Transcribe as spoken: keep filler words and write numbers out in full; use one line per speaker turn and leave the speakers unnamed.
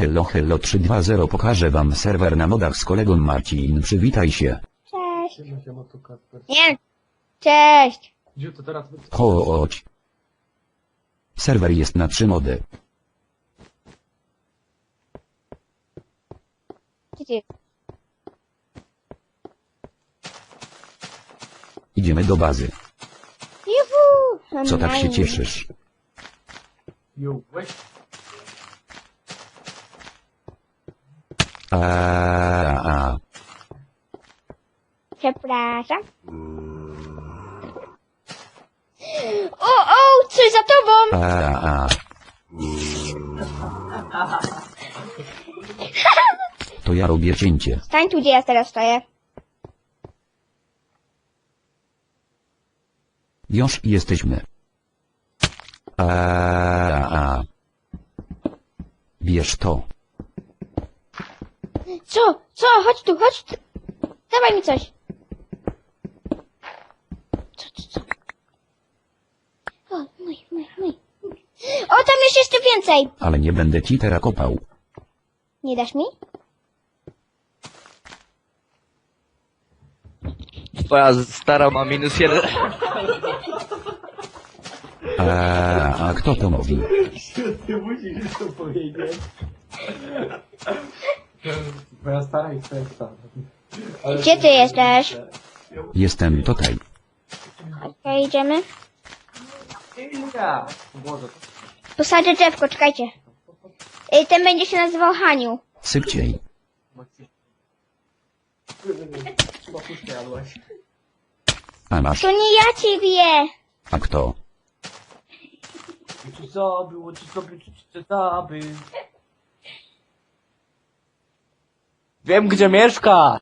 hello hello trzy dwa zero pokażę wam serwer na modach z kolegą Marcin, przywitaj się.
Cześć.
Siema, siema, tu Kasper.
Nie. Cześć.
Gdzie to teraz?
Chodź. Serwer jest na trzy mody.
Gdzie ty?
Idziemy do bazy.
Juhu.
Co tak się
Online.
cieszysz?
Jo, weź.
A, a,
Przepraszam. O, o, coś za tobą.
a, a. To ja robię cięcie.
Stań tu, gdzie ja teraz stoję.
Już jesteśmy. A, a. Bierz to.
Co? Co? Chodź tu, chodź tu. Dawaj mi coś. Co, co, co? O, mój, mój, mój. O, tam jest jeszcze więcej.
Ale nie będę ci teraz kopał.
Nie dasz mi?
Twoja stara ma minus jeden.
A, a kto to mówi?
Ty musisz to powiedzieć. Twoja stara i twoja stara. Ale
Gdzie ty jesteś?
Jestem tutaj.
Okej, idziemy.
Ja. Boże.
Posadzę drzewko, czekajcie. Y, Ten będzie się nazywał Haniu.
Szybciej.
Chyba puszkę jadłaś.
A masz.
To nie ja ciebie.
A kto?
Ci zabił, ci zabił, ci zabił. Wiem, gdzie mieszka.